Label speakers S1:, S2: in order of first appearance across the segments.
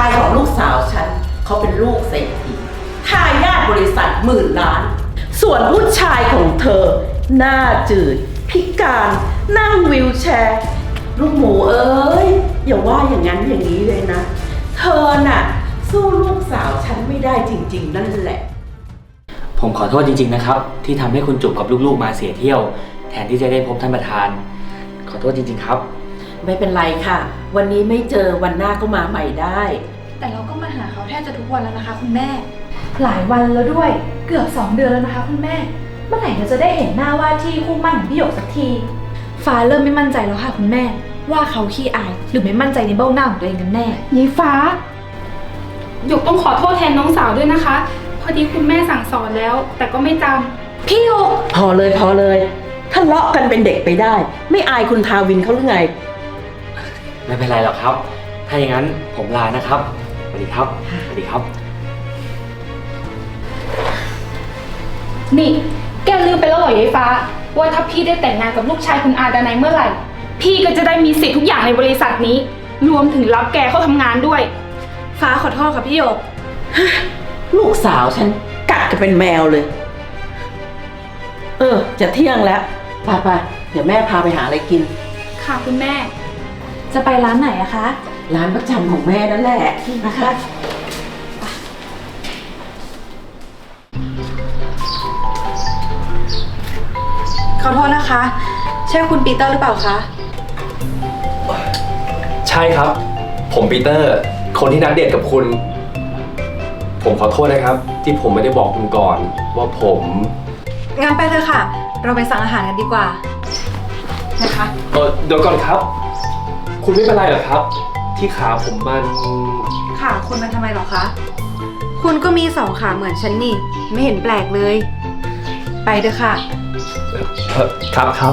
S1: ายของลูกสาวฉันเขาเป็นลูกเศรษฐีทายาทบริษัท10,000,000,000ส่วนผู้ชายของเธอหน้าจืดพิการนั่งวีลแชร์ลูกหมูเอ้ยอย่าว่าอย่างนั้นอย่างนี้เลยนะเธอน่ะสู้ลูกสาวฉันไม่ได้จริงๆนั่นแหละ
S2: ผมขอโทษจริงๆนะครับที่ทำให้คุณจุกกับลูกๆมาเสียเที่ยวแทนที่จะได้พบท่านประธานขอโทษจริงๆครับ
S1: ไม่เป็นไรค่ะวันนี้ไม่เจอวันหน้าก็มาใหม่ได้
S3: แต่เราก็มาหาเขาแทบจะทุกวันแล้วนะคะคุณแม่หลายวันแล้วด้วยเกือบ2 เดือนแล้วนะคะคุณแม่เมื่อไหร่เราจะได้เห็นหน้าว่าที่คู่มั่นของพี่หยกสักทีฟ้าเริ่มไม่มั่นใจแล้วค่ะคุณแม่ว่าเขาขี้อายหรือไม่มั่นใจในเบ้าหน้าของตัวเองกันแน่
S4: ยายฟ้าหยกต้องขอโทษแทนน้องสาวด้วยนะคะพอดีคุณแม่สั่งสอนแล้วแต่ก็ไม่จำ
S3: พี่หยก
S1: พอเลยทะเลาะกันเป็นเด็กไปได้ไม่อายคุณทาวินเขาหรือไง
S2: ไม่เป็นไรหรอกครับถ้าอย่างนั้นผมลานะครับสวัสดีครับสวัสดีครับ
S4: นี่แกลืมไปแล้วเหรอยายฟ้าว่าถ้าพี่ได้แต่งงานกับลูกชายคุณอาดานัยเมื่อไหร่พี่ก็จะได้มีสิทธิ์ทุกอย่างในบริษัทนี้รวมถึงรับแกเข้าทำงานด้วย
S3: ฟ้าขอโทษค่ะพี่หยก
S1: ลูกสาวฉันกัดกันเป็นแมวเลยจะเที่ยงแล้วไปเดี๋ยวแม่พาไปหาอะไรกิน
S4: ค่ะคุณแม่
S3: จะไปร้านไหนอะคะ
S1: ร้านประจำของแม่นั่นแหละนะคะ
S3: ขอโทษนะคะใช่คุณปีเตอร์หรือเปล่าคะ
S5: ใช่ครับผมปีเตอร์คนที่นัดเดทกับคุณผมขอโทษนะครับที่ผมไม่ได้บอกคุณก่อนว่าผม
S3: งั้นไปเลยค่ะเราไปสั่งอาหารกันดีกว่านะคะ
S5: เดี๋ยวก่อนครับคุณไม่เป็นไรเหรอครับที่ขาผมมัน
S3: ขาคุณมันทำไมหรอคะคุณก็มี2 ขาเหมือนฉันนี่ไม่เห็นแปลกเลยไปเถอะค่ะ
S5: ครับ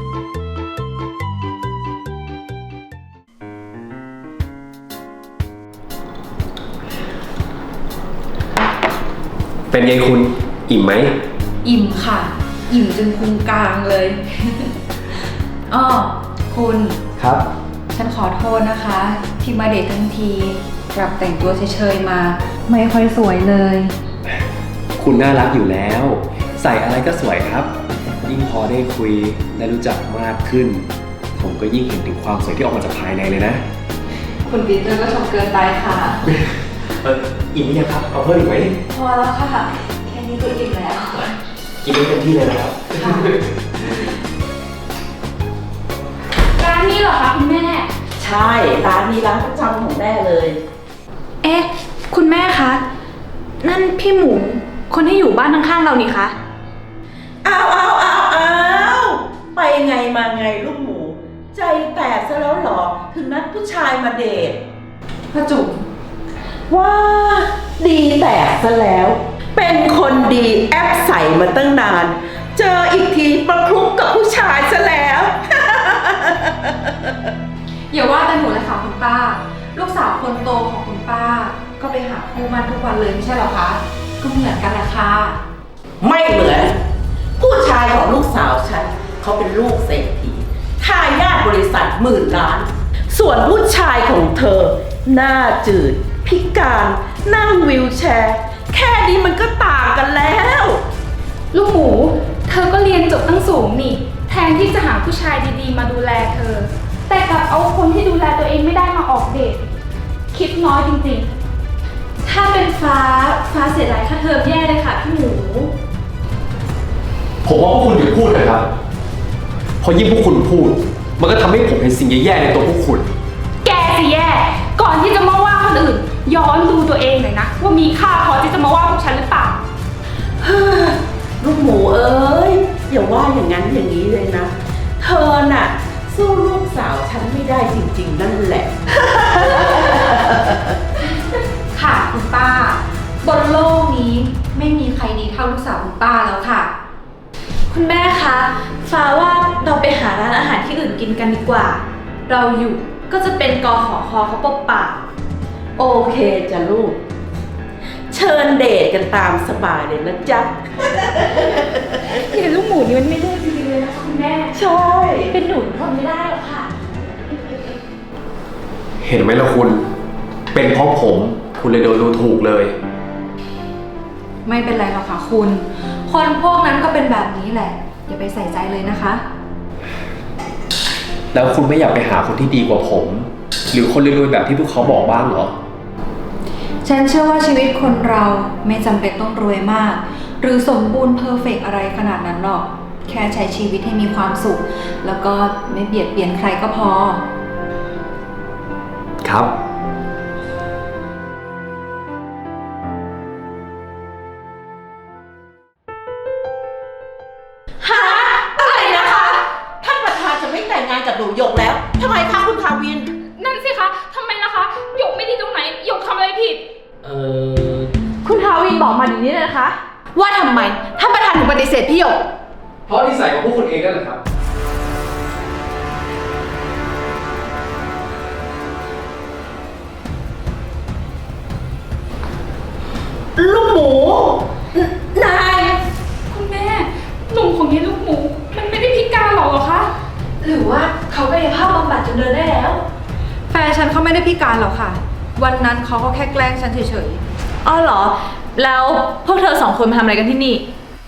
S5: เป็นไงคุณอิ่มไหม
S3: อิ่มค่ะอิ่มจนพุงกลางเลยอ้อคุณ
S5: ครับ
S3: ฉันขอโทษนะคะที่มาเดททั้งทีกลับแต่งตัวเฉยๆมาไม่ค่อยสวยเลย
S5: คุณน่ารักอยู่แล้วใส่อะไรก็สวยครับยิ่งพอได้คุยได้รู้จักมากขึ้นผมก็ยิ่งเห็นถึงความสวยที่ออกมาจากภายในเลยนะ
S3: คุณปีเตอร์ก็ชมเกินไปค่ะ
S5: อิ่มหรือยังครับเอาเพิ่มอีกไหม
S3: พอแล้วค่ะแค่นี้ก็อิ่มแล้ว
S5: กินได้เต็มที่เลยนะครับ
S4: ร้านนี้เหรอคะคุณแม่
S1: ใช่ร้านนี้ร้านประจำของแม่เลย
S3: เอ๊ะคุณแม่คะนั่นพี่หมูคนที่อยู่บ้านข้างๆเรานี่คะ
S1: อ้าวไปไงมาไงลูกหมูใจแตกซะแล้วเหรอถึงนัดผู้ชายมาเดท
S3: พ่อจุ๋ม
S1: ว้าดีแตกซะแล้วเป็นคนดีแอปใส่มาตั้งนานเจออีกทีประคลุกกับผู้ชายซะแล้ว
S3: อย่าว่าแต่หนูเลยค่ะคุณป้าลูกสาวคนโตของคุณป้าก็ไปหาคู่มั่นทุกวันเลยไม่ใช่หรอคะก็เหมือนกันแหละค่ะ
S1: ไม่เหมือนผู้ชายของลูกสาวฉันเขาเป็นลูกเศรษฐีทายาทบริษัท10,000,000,000ส่วนผู้ชายของเธอหน้าจืดพิการนั่งวีลแชร์แค่นี้มันก็ต่างกันแล้ว
S4: ลูกหมูเธอก็เรียนจบตั้งสูงนี่แทนที่จะหาผู้ชายดีๆมาดูแลเธอแต่กลับเอาคนที่ดูแลตัวเองไม่ได้มาออกเดทคิดน้อยจริงๆ
S3: ถ้าเป็นฟ้าเสียดายค่าเทอมแย่เลยค่ะพี่หมู
S5: ผมว่าพวกคุณหยุดพูดนะครับพอยิ่งพวกคุณพูดมันก็ทำให้ผมเห็นสิ่งแย่ๆในตัวพวกคุณ
S4: แกสิแย่ก่อนที่จะมาว่าคนอื่นย้อนดูตัวเองหน่อยนะว่ามีค่าพอที่จะมาว่าพวกฉันหรือเปล่า
S1: ลูกหมูเอ้ยอย่าว่าอย่างนั้นอย่างนี้เลยนะเธอน่ะสู้ลูกสาวฉันไม่ได้จริงๆนั่นแหละ
S3: ค่ะคุณป้าบนโลกนี้ไม่มีใครดีเท่าลูกสาวคุณป้าแล้วค่ะคุณแม่คะฟ้าว่าเราไปหาร้านอาหารที่อื่นกินกันดีกว่าเราอยู่ก็จะเป็นกขคเขาปบปาก
S1: โอเคจ้ะลูกเชิญเดทกันตามสบายเลยนะจ๊ะ
S4: เห็นลูกหมูนี่มันไม่ได้จริงๆเลยนะคะคุณแม่
S1: ใช่
S3: เป็นหนูทนไม่ได้หรอกค่ะ
S5: เห็นไหมล่ะคุณเป็นเพราะผมคุณเลยโดนดูถูกเลย
S3: ไม่เป็นไรหรอกค่ะคุณ คนพวกนั้นก็เป็นแบบนี้แหละ อย่าไปใส่ใจเลยนะคะ
S5: แล้วคุณไม่อยากไปหาคนที่ดีกว่าผม หรือคนรวยๆแบบที่พวกเขาบอกบ้างเหรอ
S3: ฉันเชื่อว่าชีวิตคนเราไม่จำเป็นต้องรวยมาก หรือสมบูรณ์เพอร์เฟกต์อะไรขนาดนั้นหรอก แค่ใช้ชีวิตให้มีความสุข แล้วก็ไม่เบียดเบียนใครก็พอ
S5: ครับ
S1: ฮะอะไรนะคะ ท่านประธานจะไม่แต่งงานกับหนูหยกแล้วทำไมคะคุณทาวิน
S4: นั่นสิคะทำไมล่ะคะหยกไม่ดีตรงไหนหยกทำอะไรผิด
S3: คุณทาวินบอกมาอย่างนี้เลยนะคะ ว่าทำไมท่านประธานถึงปฏิเสธพี่หยก
S5: เพราะนิสัยของพวกคุณเองนั่นแหละครับ
S1: ลูกหมู นาย
S4: คุณแม่ หนุ่มของยายลูกหมู มันไม่ได้พิการหรอกเหรอคะ
S3: หรือว่าเขากายภาพบำบัดจนเดินได้แล้ว แฟนฉันเขาไม่ได้พิการหรอกค่ะ วันนั้นเขาก็แค่แกล้งฉันเฉย
S6: อ๋อเหรอ แล้วพวกเธอสองคนมาทำอะไรกันที่นี่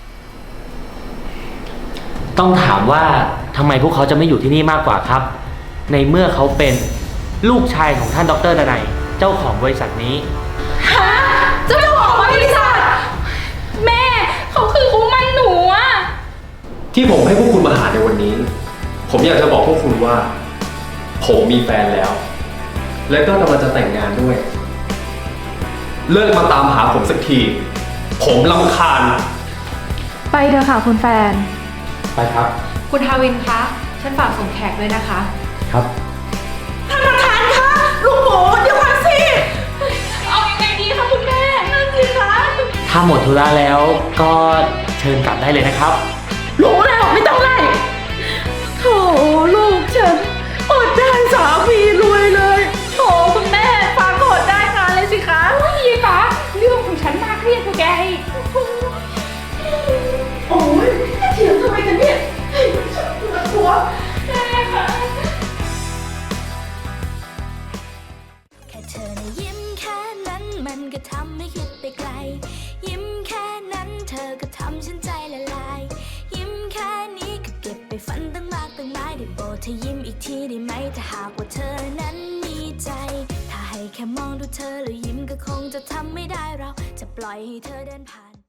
S2: ต้องถามว่าทำไมพวกเขาจะไม่อยู่ที่นี่มากกว่าครับ ในเมื่อเขาเป็นลูกชายของท่านดร.ดนัยเจ้าของบริษัทนี้
S4: เจ้าของบริษัท แม่เขาคือคู่มั่นหนูอะ
S5: ที่ผมให้พวกคุณมาหาในวันนี้ ผมอยากจะบอกพวกคุณว่า ผมมีแฟนแล้ว และก็กำลังจะแต่งงานด้วย เลิกมาตามหาผมสักที ผมรำคาญ
S3: ๆ ไปเถอะค่ะคุณแฟน
S5: ไปครับ
S3: คุณทาวินคะ ฉันฝากส่งแขกด้วยนะคะ
S5: ครับ
S1: ท่านประธานคะลูกหมูเดี๋ยวก่อนสิ
S4: เอายังไงดีคะคุณแม่ นั่นสิคะ
S2: ถ้าหมดธุระแล้วก็เชิญกลับได้เลยนะครับ
S1: รู้แล้วไม่ต้องไล่โถลูกฉันอดได้สามีรวยเลย
S4: โถคุณแม่ฟ้าโกรธได้งานเลยสิคะยายฟ้าเรื่องของฉันน่าเครียดกว่าแกอีก
S1: โอ้ยเถียงทำไมกันเนี่ยเฮ้ยฉันปวดหัว
S4: แม่คะ
S7: แค่เธอนะยิ้มแค่นั้นมันก็ทำให้คิดไปไกล ยิ้มแค่นั้นเธอก็ทำฉันใจละลาย ยิ้มแค่นี้ก็เก็บไปฝันตั้งมากตั้งหลายได้โปรดเธอยิ้มอีกทีได้ไหมถ้าหากว่าเธอนั้นมีใจ ถ้าให้แค่มองดูเธอแล้วยิ้มก็คงจะทำไม่ได้เราจะปล่อยให้เธอเดินผ่าน